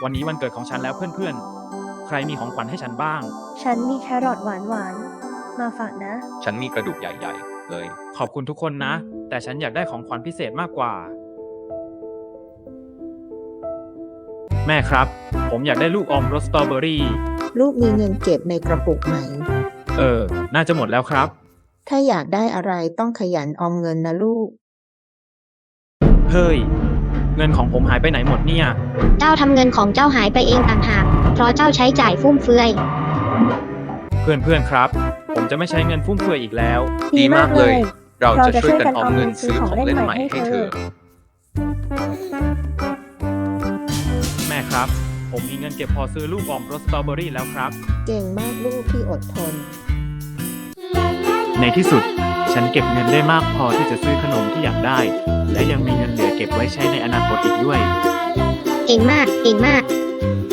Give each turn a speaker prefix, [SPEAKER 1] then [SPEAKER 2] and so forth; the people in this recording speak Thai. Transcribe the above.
[SPEAKER 1] วันนี้วันเกิดของฉันแล้วเพื่อนๆ ใครมีของขวัญให้ฉันบ้าง
[SPEAKER 2] ฉันมีแครอทหวานๆมาฝากนะ
[SPEAKER 3] ฉันมีกระดูกใหญ่ๆเลย
[SPEAKER 1] ขอบคุณทุกคนนะ แต่ฉันอยากได้ของขวัญพิเศษมากกว่า แม่ครับ ผมอยากได้ลูกอมรสสตรอเบอรี่
[SPEAKER 4] ลูกมีเงินเก็บในกระปุกไหม
[SPEAKER 1] น่าจะหมดแล้วครับ
[SPEAKER 4] ถ้าอยากได้อะไรต้องขยันออมเงินนะลูก
[SPEAKER 1] เฮ้ย เงินของผมหายไปไหนหมดเนี่ย
[SPEAKER 5] เจ้าทำเงินของเจ้าหายไปเองต่างหาก เพราะเจ้าใช้จ่ายฟุ่มเฟือย
[SPEAKER 1] เพื่อนๆครับ ผมจะไม่ใช้เงินฟุ่มเฟือยอีกแล้ว
[SPEAKER 3] ดีมากเลย เราจะช่วยกันออมเงินซื้อของเล่นใหม่ให้เธอ
[SPEAKER 1] แม่ครับ ผมมีเงินเก็บพอซื้อลูกอมรสสตรอเบอรี่แล้วครับ
[SPEAKER 4] เก่งมากลูกที่อดทน
[SPEAKER 1] ในที่สุด ฉันเก็บเงินได้มากพอที่จะซื้อขนมที่อยากได้ และยังมีเงินเหลือเก็บไว้ใช้ในอนาคตอีกด้วย
[SPEAKER 5] เก่งมาก เก่งมาก